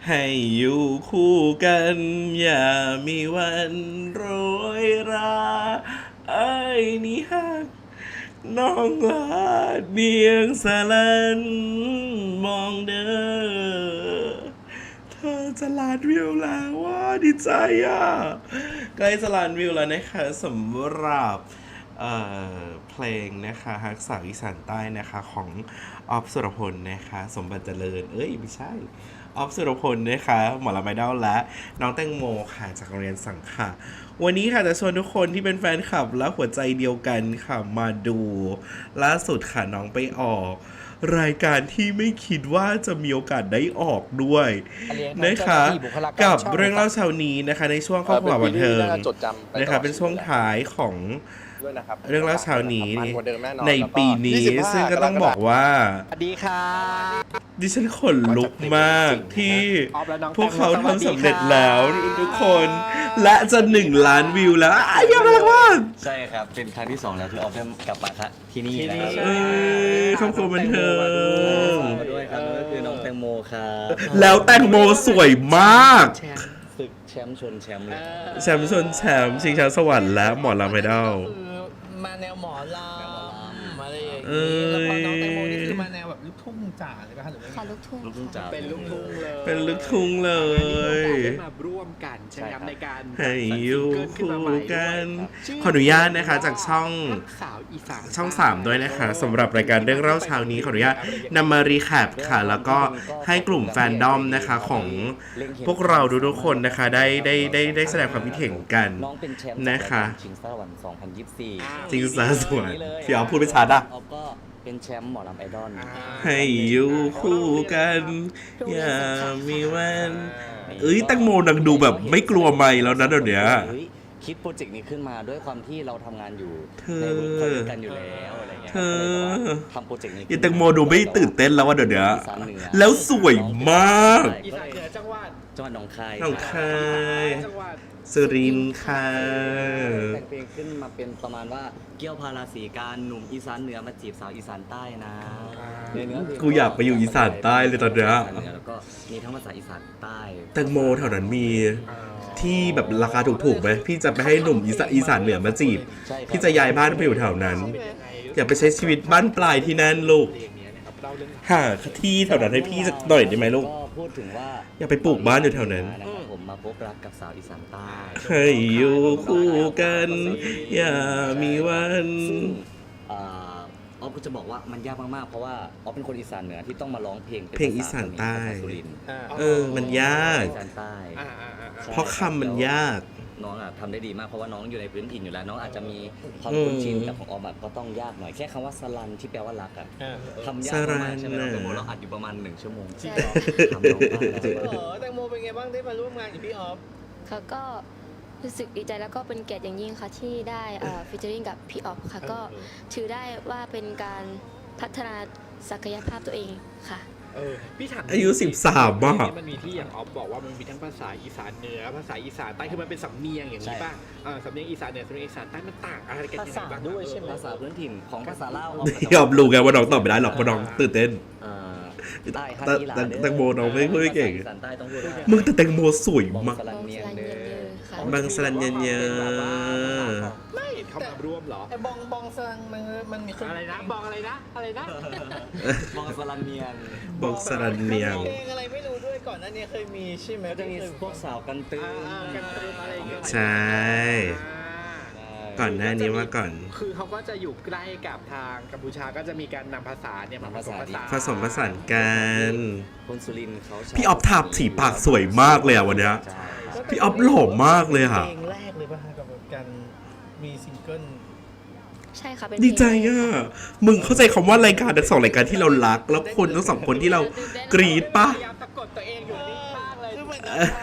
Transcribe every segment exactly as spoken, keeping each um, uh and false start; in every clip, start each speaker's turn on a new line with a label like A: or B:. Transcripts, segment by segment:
A: ให้อยู่คู่กันอย่ามีวันโรยราไอ้นี่ฮักน้องลาเดียงสลันมองเด้อเธอจะล้านวิวแล้วว่าดีใจอ่ะใกล้จะล้านวิวแล้วนะคะสำหรับเอ่อเพลงนะคะฮักสาวอีสานใต้นะคะของออฟสุรพลนะคะสมบัติเจริญเอ้ยไม่ใช่ออฟสุรพลนะคะหมอลำไอดอลและน้องแตงโมค่ะจากโรงเรียนสังขะวันนี้ค่ะจะชวนทุกคนที่เป็นแฟนคลับและหัวใจเดียวกันค่ะมาดูล่าสุดค่ะน้องไปออกรายการที่ไม่คิดว่าจะมีโอกาสได้ออกด้วยนะคะกับเรื่องเล่าเช้านี้นะคะในช่วงครอบครัวบันเทิงนะคะเป็นช่วงท้ายของเรื่องเล่าเช้านี้ในปีนี้ซึ่งก็ต้องบอกว่า
B: สวัสดีครับ
A: ดิฉันขนลุกมากที่พวกเขาทำสำเร็จแล้วทุกคนและจะหนึ่งล้านวิวแล้วอ้ายยังไงวะ
B: ใช่ครับเป็นครั้งที่สองแล้วที่ออฟได้กลับมาครับที่นี่นะครับ
A: เอ้ยครอบครัวบันเทิง
B: มาด้วยครับนั่นก็คือน้องแตงโมครับ
A: แล้วแตงโมสวยมาก
B: ศึกแชมป์ชนแชมป์เลย
A: แชมป์ชนแชมป์ชิงช้าสวรรค์และหมอลำไอดอล
C: มาแนวหมอลำอะไรอย่าง
A: เอ้ย
C: นี้แล้วพอน้องแตงโมนี่คือมาแนวแบบลูกทุ่งจ๋าเลยป่ะคะหรือว่า
D: ค่ะลูกทุ่ง
B: ลูกทุ่งจ๋า
C: เป็นลูกทุ่งเลย
A: เป็นลูกทุ่งเลย
E: ได้มาร่วมกันใช่ไหมครับในการ
A: ให้อยู่คู่กัน
E: ชื่
A: ขออนุญาตนะคะจากช่อง
E: สาวอีสาน
A: ช่องสามด้วยนะคะสำหรับรายการเรื่องเล่าเช้านี้ขออนุญาตนำมารีแคปค่ะ แล้วก็ให้กลุ่มแฟนดอมนะคะของพวกเราทุกๆคนนะคะได้ได้ได้ได้แสดงความคิดเห็นกัน
B: น้องเป็นแชมป์
A: นะคะ
B: ชิงสวรรค์สองพันยี่สิบสี่
A: จริงซะสวยพี่เอาพูดไปชัดอ่ะ
B: ออฟก็เป็นแชมป์หมอลำไอดอล
A: ให้อยู่คู่กันอย่ามีวันเอ้ยแตังโมนังดูแบบไม่กลัวไม่แล้วนะเดี๋ยวนี้
B: เฮ้ยคิดโปรเจกต์นี้ขึ้นมาด้วยความที่เราทำงานอยู่
A: เธอ
B: ในเวิร์กพอยต์ด้วยกันอยู่แล้วอะไรเงี้ย
A: เธอ
B: ก็เลยแบบว่าทำโปรเจกต์นี้
A: อย่าแตังโมดูไม่ตื่นเต้นแล้วว่าเดี๋ยวนี้
B: อีสานเหนือ
A: แล้วสวยมาก
E: อีสานเหนือจังหวัด
B: จังหวัดหนองคาย
A: หนองคาย
E: จังหวัด
A: สุรินทร์ค่ะ
B: แต่งเพลงขึ้นมาเป็นประมาณว่าเกี่ยวพาราสีการหนุ่มอีสานเหนือมาจีบสาวอีสานใต้นะในเนื้อเพลง
A: กูอยากไปอยู่อีสานใต้เลยตอนเนี้ย
B: อีสานเหนือแล้วก็มีทั้งภาษาอีสานใต้
A: แตงโมแถวนั้นมีที่แบบราคาถูกๆไหมพี่จะไปให้หนุ่มอีสานอีสานเหนือมาจีบ
B: ใช่ครับ
A: พี่จะย้ายบ้านไปอยู่แถวนั้น อยากไปใช้ชีวิตบ้านปลายที่นั่นลูก
E: เพลงนี้นะครับเราเรื่อง
A: หาที่แถวนั้นให้พี่สักหน่อยได้ไหมลูก
B: ก็พูดถึงว่า
A: อยากไปปลูกบ้านอยู่แถวนั้น
B: นะครับผมมาพบรักกับสาวอีสานใต้
A: ให้อยู่คู่กันอย่ามีวัน
B: อ่าออฟก็จะบอกว่ามันยากมากๆเพราะว่าออฟเป็นคนอีสานเหนือที่ต้องมาร้องเพลงป็
A: เพลงอีสานใต้
B: ภษสุรินทร์
A: เออมันยาก
B: อีสานใต้
E: อ่าอ่าอ่า
B: ใช่
A: เพราะคำมันยาก
B: น้องอ่ะทำได้ดีมากเพราะว่าน้องอยู่ในพื้นถิ่นอยู่แล้ว น้องอาจจะมีความ
A: อืม
B: คุ้นชินกับของออมอะก็ต้องยากหน่อยแค่คำว่าสลันที่แปลว่ารักอ่ะทำยาก
A: สลั
B: มาก
A: น
B: ใช่ไหม
A: น่ะ
B: เราเราอัดอยู่ประมาณหนึ่งชั่วโมง
D: ใช่
B: ทำน้องได้แล้ว
C: เออแตงโมเป็นไงบ้างได้มาร่วมงานกับพี่ออฟ
D: ค่ะก็รู้สึกดีใจแล้วก็เป็นเกียรติอย่างยิ่งค่ะที่ได้ฟิชเจอริงกับพี่ออฟค่ะก็ถือได้ว่าเป็นการพัฒนาศักยภาพตัวเองค่ะ
E: เออพี่ถาม
A: อายุสิบสามอะ
E: มันมีที่อย่างออฟบอกว่ามันมีทั้งภาษาอีสานเหนือภาษาอีสานใต้คือมันเป็นสำเนียงอย่างนี้ป่ะเออสำเนียงอีสานเหนือสำเนียงอีสานใต้มันต่างอะไรกันยังไงบ้าง
C: ด้วยใช่ไหม
B: ภาษาพื้นถิ่นของภาษาลาว
A: ยอมรู้ไงว่าน้องตอบไม่ได้หรอกเพราะน้องตื่นเต้น
B: เอ่อใต้ฮัน
A: แต่
B: อีหลา
A: แต่
B: เด้อ
A: แตงโมน้องไม่พูดไม่เก่ง
B: ภาษาอีสานใต้ต้องพูดได้
A: มึงแต่แตงโมสวย
B: บอง
A: มาก
B: สลันเนียงเด้อ
D: ค่ะ
A: บางสลันเยนเยอะ
E: ไม่เขามาร่วมเหรอ
C: ไอ้บองบองซังมันมันมีคน
E: อะไรนะบอกอะไรนะอะไรนะ
B: บองสลันเนียง
A: บางสลันเนียง
C: เพลงอะไรไม่รู้ด้วยก่อนหน้านี้เคยมีใช่ไหม
B: ก็จะมีพวกสาวกันตื้อ
E: อ่ากันตื้ออะไรอย่างเงี้ย
A: ใช่ ก่อนหน้านี้มาก่อน
E: คือเขาก็จะอยู่ใกล้กับทางกัมพูชาก็จะมีการนำภาษาเนี่ยมาผสมผสาน
A: ผสมผสานกัน
B: คนสุรินทร์เขาใช้
A: พี่ออฟทาบสีปากสวยมากเลยอะวันเนี้ย
B: ใช่
A: พี่ออฟหล่อมากเลยค่ะ
C: เพลงแรกเลยป่ะฮะกับการมีซิงเกิล
D: ใช่ค่ะเป็น
A: ดีใจอ่ะ มึงเข้าใจคำว่ารายการทั้งสองรายการที่เรารัก แล้วคนทั้งสองคนที่เรากรี๊ดปะ
E: พยายามตะกดตัวเองอยู่นิ่งมากเลย
C: คือเหมือน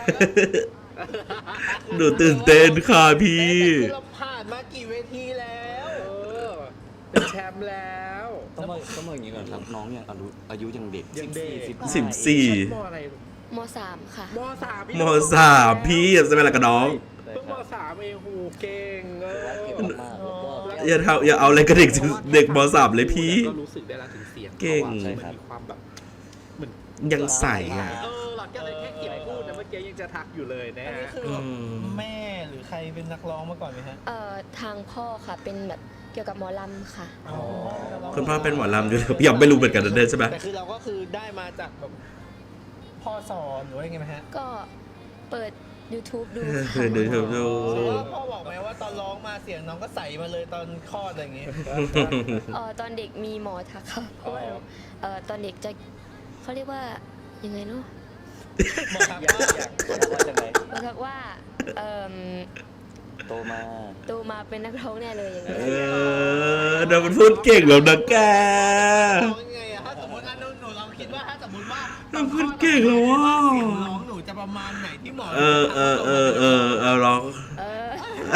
A: หนูตื่นเต้นค่ะพี่
C: คือเราผ่านมากี่เวทีแล้ว
E: เออเป็นแชมป์แล้ว
B: ต้องมาต้องมาอย่างนี้ก่อนครับน้องยังอายุอายุยังเด็ก
E: ยังเด็ก
B: สิบ
A: สิบสี่
E: มอะไร
D: มสามค่ะ
E: มสาม
A: มสามพี่อย่าจะเป็นอะไรกับน้อง
E: เพิ่งมสามเองหูเก่งเอ
B: เก่ง
E: อ
B: มากๆแล้วก็
A: อย่าทำอย่าเอาอะไรกับเด็กเด็กมสามเลยพี่
E: ก็รู้สึกได้แล้วถึงเสียง
A: เก่ง
E: ขาอะมันมีความแบบเหมือน
A: ยังใส่อ่ะ
E: เออหลักก็เลยแค่เก็บกี้ยังจะทักอยู่เลยนะ
C: อันนี้
E: ฮะ
C: คือแบบแม่หรือใครเป็นนักร้องมาก่อนไหมฮะ
D: เอ่อทางพ่อค่ะเป็นแบบเกี่ยวกับหมอลำค่ะ
C: อ๋อ
A: คุณพ่อเป็นหมอลำอยู่แล้วพี่อ๊อฟไม่รู้เหมือนกันนะเด้ใช่ไหม
C: แต่คือเราก็คือได้มาจากแบบพ่อสอนหรือว่ายังไงไหมฮะ
D: ก็เปิด YouTube ดู
A: เอ
D: ค่ะ
A: อดูดูดู
C: หรือว่าพ่อบอกไหมว่าตอนร้องมาเสียงน้องก็ใสมาเลยตอนคลอดอะไรอย่างงี้
D: เอ่อตอนเด็กมีหมอทักค่ะเพราะว่าหนูเอ่อตอนเด็กจะเขาเรียกว่ายังไงเนาะ
C: หมอทัก
B: อยาก
C: ว่า
B: อยากว่าจะไง
D: หมอทักว่าเอ่ม
B: โตมา
D: โตมาเป็นนักร้องแน่เลยอย่าง
A: เอ
D: เงี้ย
A: อเดี๋ยวมันพูดเก่งแบบนักแก
C: ร้องยังไงอะถ้าสมมติอันนู้นหนูเราคิดว่าถ้าสมมติว่า
A: มันพูดเก่งแล้วว่ะ
C: เสียงร้องหนูจะประมาณไหนที่หมอ
A: เออเออเออเออเอาร้อง
D: เออ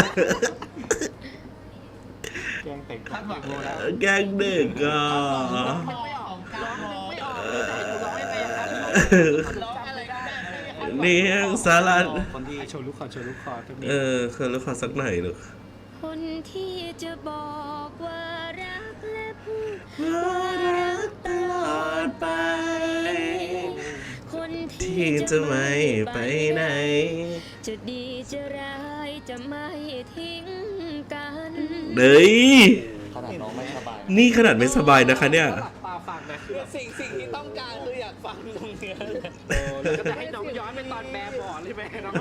C: คาดหวังแล้ว
A: แกล้งเด็กอ่ะ
C: ไม่ออกการร้องไม่ออกร้องยังไงครับร้องอะไรก็ได้
A: เนียงสารัน
B: คนที่
E: โชว์ลูกคอโชว์ลูกคอตรงนี้
A: เออเคยรู้ขอสักหน่อยลูก
D: คนที่จะบอกว่ารักและพูด
A: ว่ารักตลอดไป
D: คนที่
A: ที่จะไม่ไปไหน
D: จะดีจะร้ายจะไม่ทิ้งกัน
A: เฮ้ย
B: ขนาดน้องไม่สบาย
A: นี่ขนาดไม่สบายนะคะเนี่ย
E: หลับตาฟังนะคือ
C: สิ่งสิ่งที่ต้องการคืออยากฟังตรงเนี้ย
E: แล้วก็จะให้น้องย้อนไปตอนแบบบอใช่ไหมน้อง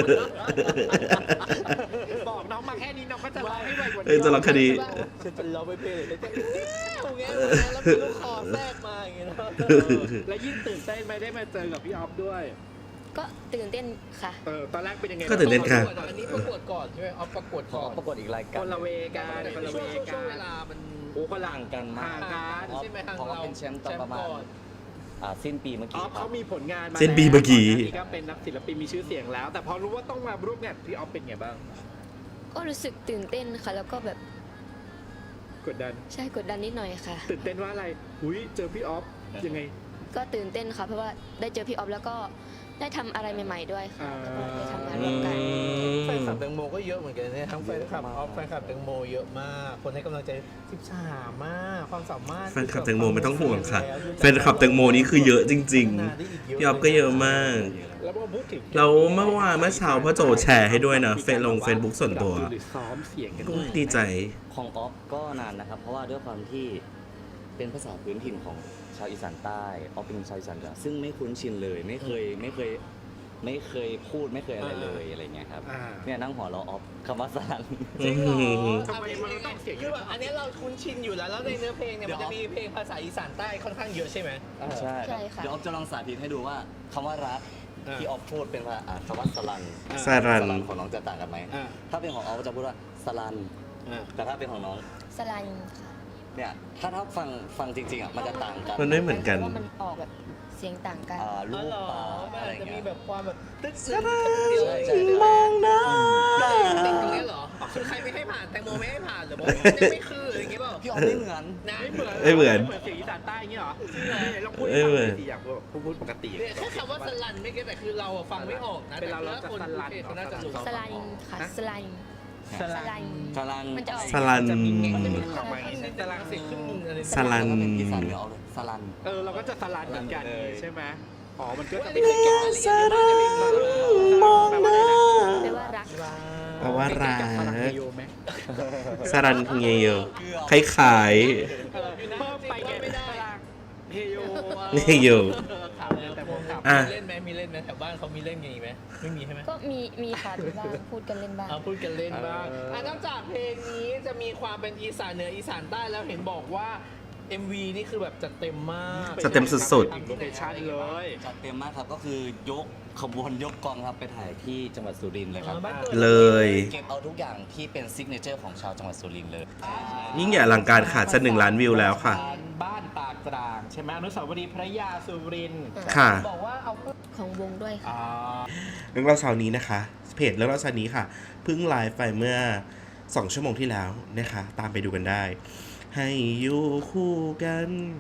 E: บอกน้องมาแค่นี้น้องก็จะร้องให้ไวกว่า
A: เอ้ย
E: นี้
A: จะร้องคดี
C: ฉันเป็นร้องไปเพลงเลยจะตรงเงี้ยแล้วมีลูกคอแทรกมาอย่างเงี้ยเนาะ
E: และยิ่งตื่นเต้นไหมได้มาเจอกับพี่ออฟด้วย
D: ก็ตื่นเต้นค่ะ
E: เออตอนแรกเป็นยังไง
A: ก็ตื่นเต้นค่ะ
C: อันนี้ประกวดก่อนใช่ไหมเอาประกวด
B: ข
C: ก่
B: อ
C: อน
B: ประกวดอีกราย
E: ค
B: การ
E: นละเวกันคนละ
C: ช่
E: เว
C: วงช่วง
E: กั
C: ช่วงเวน ลามัน
E: โอ้คนละ
B: ห่างกันมาก
E: ห่างกัน
C: ใช่ไหมทาง
B: เพราะว่า
C: เรา
B: เป็นแชมป์ตอนประมาณ
C: แชก่อน
B: อ่าสิ้นปีเมื่อ
E: อ
B: กี้
E: อฟ
B: ครั
E: เขา
B: บ
E: มีผลงานมา
A: เส้นปีเมื่อกี้
E: แล้วนี่ก็เป็นนักศิลปินมีชื่อเสียงแล้ว แต่พอรู้ว่าต้องมาร่วมงานกับพี่ออฟเป็นไงบ้าง
D: ก็รู้สึกตื่นเต้นค่ะ แล้วก็แบบ
E: กดดัน
D: ใช่กดดันนิดหน่อยค่ะ
E: ตื่นเต้นว่าอะไรหุยเจอพี่ออฟยังไง
D: ก็ตื่นเต้นค่ะ เพราะว่าได้เจอพี่ออฟแล้วก็ได้ทำอะไรใหม่ ๆ ด้วยค่ะ
E: อ่า
D: แล้วก็ได้ทำงานร่วมกัน
C: แฟนคลับแตงโมก็เยอะเหมือนกันเนี่ยทั้งแฟนคลับออฟแฟนคลับแตงโมเยอะมาก คนให้กำลังใจสิบสามมากความสามารถ
A: แฟนคลับแตงโมไม่ต้องห่วงค่ะ แฟนคลับแตงโมนี่คือเยอะจริงๆ พี่อ๊อฟก็เยอะมาก
E: แล้วพอพูดถึง
A: แล้วเมื่อวานเมื่อเช้าพ่อโจแชร์ให้ด้วยนะเฟซลงเฟซบุ๊กส่วนตัว
E: หรือซ้อมเสียงกัน
A: โอ้ยดีใจ
B: ของออฟก็นานนะครับ เพราะว่าด้วยความที่เป็นภาษาพื้นถิ่นของชาวอีสานใต้ออฟเป็นชาวอีสานเหนือซึ่งไม่คุ้นชินเลย ไม่เคยไม่เคยไม่เคยพูดไม่เคยอะไรเลยอะไรเงี้ยครับ
E: อ่า
B: เนี่ยนั่งหัวเราะออฟคำว่าสลัน
C: จริงเหรอ
E: ทำไมมันต้องเสียง
C: คือแบบอันนี้เราคุ้นชินอยู่แล้ว แล้วในเนื้อเพลงเนี่ยมันจะมีเพลงภาษาอีสานใต้ค่อนข้างเยอะใช่ไหม
B: ใช่
D: ใช่ค่ะ
B: เดี๋ยวออฟจะลองสาธิตให้ดูว่าคำว่ารัก
C: อ่า
B: ที่ออฟพูดเป็นว่าอ่าคำว่าสลัน
A: สรัน
B: สลันของน้องจะต่างกันไหม
C: อ่า
B: ถ้าเป็นของออฟจะพูดว่าสลัน
C: อ่า
B: แต่ถ้าเป็นของน้อง
D: สลันค่ะ
B: เนี่ยถ้าถ้าฟังฟังจริงๆอ่ะมันจะต่างกัน
A: มันไม่เหมือนกัน
D: พราะว่ามันออกแบบเสียงต่างกัน
B: อ่าลู
C: อ๋อก เหรอ
B: ปลา
C: มัน
B: อะไร
C: อาจจะมี
B: เงี้ย
C: แบบความแบบตึ๊กซึ๊ก
B: ใช่ใช่
A: มองหน้า
C: ติดตรงนี้เหรอคือใครไม่ให้ผ่านแตงโมไม่ให้ผ่านหรือบอกว่ายังไม่คืออะไรอย่างเงี้ยเปล่า
B: พี่ออฟไม่เหมือน
C: นะ
E: ไม่เหมือน
A: ไม่เหมือน
E: เหมือนเสียงอีสานใต้อย่างเงี้ยเหรอลองพูด
A: ไม่
E: ให้
A: เหมื
E: ฟั
A: อน
E: งสิอยากพูดพูดปกติ
C: เนี่ยแค่คำว่าสลันไม่เก็ตแต่คือเราอะฟังไม่ออกนะ
E: เป็นเราเราจะ
C: แต่คน
E: สลัน
C: โอเคเขาน่าจะรู้
D: สลันค่ะสลัน
C: ส
D: ส
C: ลั
D: ลั
C: น
D: น
B: สลัน
D: มันจะออก
A: สลัน
C: มันจะมีคำว่าสลันเสียงครึ่งหนึงอะไร
A: สลัน
B: แล้วก็เป็นอีสานเหนือเอาเลยสลัน
E: เออเราก็จะสลันเหมือนกัน
B: สลันเลย
E: ใช่ไหมอ๋อมันก็จะ
C: ไม่
E: เป็น
C: เคยเก็บรายละเอียดเลยว่าจะเป็นสลัน
A: มองหน้า
D: แปลว่ารัก
A: แปลว่ารัก
E: สลันเฮโยไหม
A: สรันเงยอคล้ายขาย
E: เออเพิ่มไปไงไม่ได้เฮโย
A: เฮโย
E: ขับแต่ผมขับ
A: อ่ะ
C: มีเล่นไหมมีเล่นไหมแถวบ้านเขามีเล่นกันอีกไหมไม่มีใช่ไหม
D: ก็มีมีค่ะมีบ้างพูดกันเล่นบ้าง
C: เอาพูดกันเล่นบ้างอ่ะนอกจากเพลงนี้จะมีความเป็นอีสานเหนืออีสานใต้แล้วเห็นบอกว่า เอ็ม วี นี่คือแบบจัดเต็มมาก
A: จัดเต็มสุด
E: โลเคชั่นเลย
B: จัดเต็มมากครับก็คือยกขบวนยกกองครับไปถ่ายที่จังหวัดสุรินทร์เลยครับ
C: บ้านกิด
A: เลย
B: เก็บเอาทุกอย่างที่เป็นซิกเนเจอร์ของชาวจังหวัดสุรินทร์เลย
A: ยิ่งใหญ่อลังการขาดจะหนึ่งล้านวิวแล้วค่ะ
E: บ้านปากกลางใช่ไหมอนุสาวรีย์พระยาสุรินทร์
A: ค่ะ
C: บอกว่าเอา
D: ของวงด้วยค่ะ
E: อ่า
A: เรื่องเล่าเช้านี้นะคะ เพจเรื่องเล่าเช้านี้ค่ะเพิ่งไลฟ์ไปเมื่อสองชั่วโมงที่แล้วนะคะ ตามไปดูกันได้ ให้อยู่คู่กัน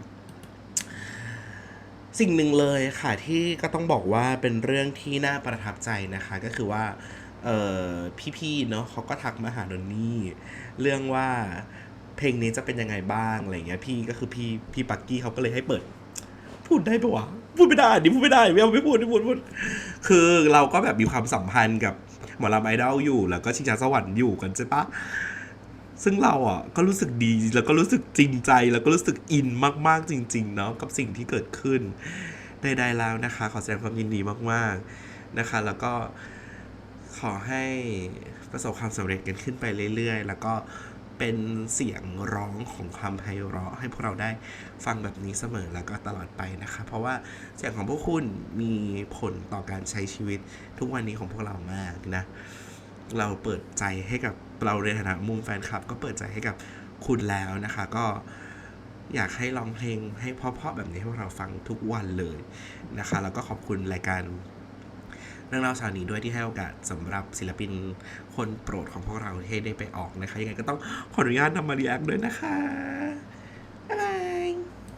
A: สิ่งหนึ่งเลยค่ะที่ก็ต้องบอกว่าเป็นเรื่องที่น่าประทับใจนะคะ ก็คือว่าเออพี่ๆเนาะเขาก็ทักมาหาโดนนี่เรื่องว่าเพลงนี้จะเป็นยังไงบ้างอะไรเงี้ยพี่ก็คือพี่พี่ปักกี้เขาก็เลยให้เปิด พูดได้ปะวะพูดไม่ได้ดิพูดไม่ได้ไม่เอาไม่พูดไม่พูดไม่พูดคือเราก็แบบมีความสัมพันธ์กับหมอลำไอดอลอยู่แล้วก็ชิงช้าสวรรค์อยู่กันใช่ปะซึ่งเราอ่ะก็รู้สึกดีแล้วก็รู้สึกจริงใจแล้วก็รู้สึกอินมากๆจริงๆเนาะกับสิ่งที่เกิดขึ้นใดๆแล้วนะคะ ขอแสดงความยินดีมากๆนะคะ แล้วก็ขอให้ประสบความสำเร็จกันขึ้นไปเรื่อยๆแล้วก็เป็นเสียงร้องของความไพเราะให้พวกเราได้ฟังแบบนี้เสมอแล้วก็ตลอดไปนะคะเพราะว่าเสียงของพวกคุณมีผลต่อการใช้ชีวิตทุกวันนี้ของพวกเรามากนะเราเปิดใจให้กับเราในฐานะมุมแฟนคลับก็เปิดใจให้กับคุณแล้วนะคะก็อยากให้ร้องเพลงให้เพราะๆแบบนี้ให้พวกเราฟังทุกวันเลยนะคะแล้วก็ขอบคุณรายการเรื่องเล่าเช้านี้ด้วยที่ให้โอกาสสำหรับศิลปินคนโปรดของพวกเราที่ได้ไปออกนะคะยังไงก็ต้องขออนุญาตนำมารีแอคด้วยนะคะ